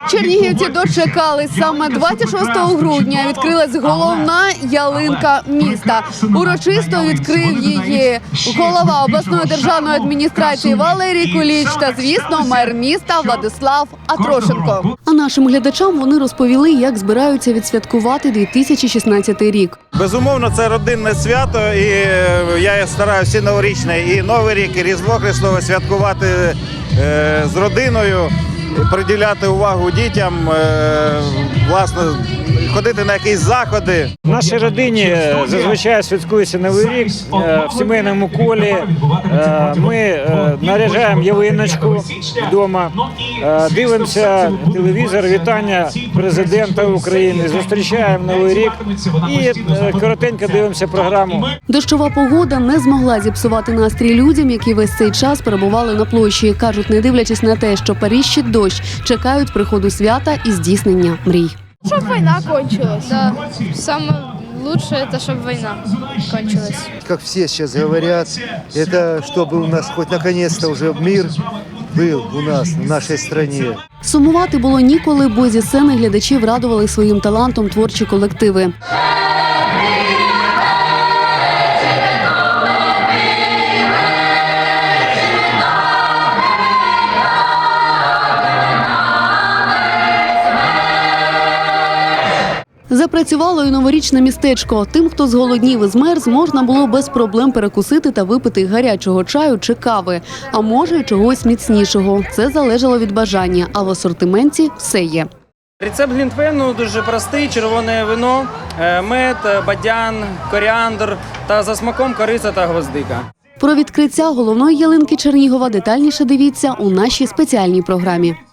Чернігівці дочекались. Саме 26 грудня відкрилась головна ялинка міста. Урочисто відкрив її голова обласної державної адміністрації Валерій Куліч та, звісно, мер міста Владислав Атрошенко. А нашим глядачам вони розповіли, як збираються відсвяткувати 2016 рік. Безумовно, це родинне свято, і я стараюся і новорічне, і Новий рік, і Різдво Христове святкувати з родиною, приділяти увагу дітям, власне, ходити на якісь заходи. В нашій родині зазвичай святкується Новий рік в сімейному колі. Ми наряжаємо ялиночку вдома, дивимося телевізор, вітання президента України, зустрічаємо Новий рік і коротенько дивимося програму. Дощова погода не змогла зіпсувати настрій людям, які весь цей час перебували на площі. Кажуть, не дивлячись на те, що періщить дощ, чекають приходу свята і здійснення мрій. Чтобы война кончилась. Да, самое лучшее это, чтобы война кончилась. Как все сейчас говорят, это чтобы у нас хоть наконец-то уже мир был у нас, в нашей стране. Сумувати було ніколи, бо зі сцени глядачів радували своїм талантом творчі колективи. Запрацювало і новорічне містечко. Тим, хто зголоднів і змерз, можна було без проблем перекусити та випити гарячого чаю чи кави. А може й чогось міцнішого. Це залежало від бажання, а в асортименті все є. Рецепт глінтвейну дуже простий: червоне вино, мед, бадян, коріандр та за смаком кориця та гвоздика. Про відкриття головної ялинки Чернігова детальніше дивіться у нашій спеціальній програмі.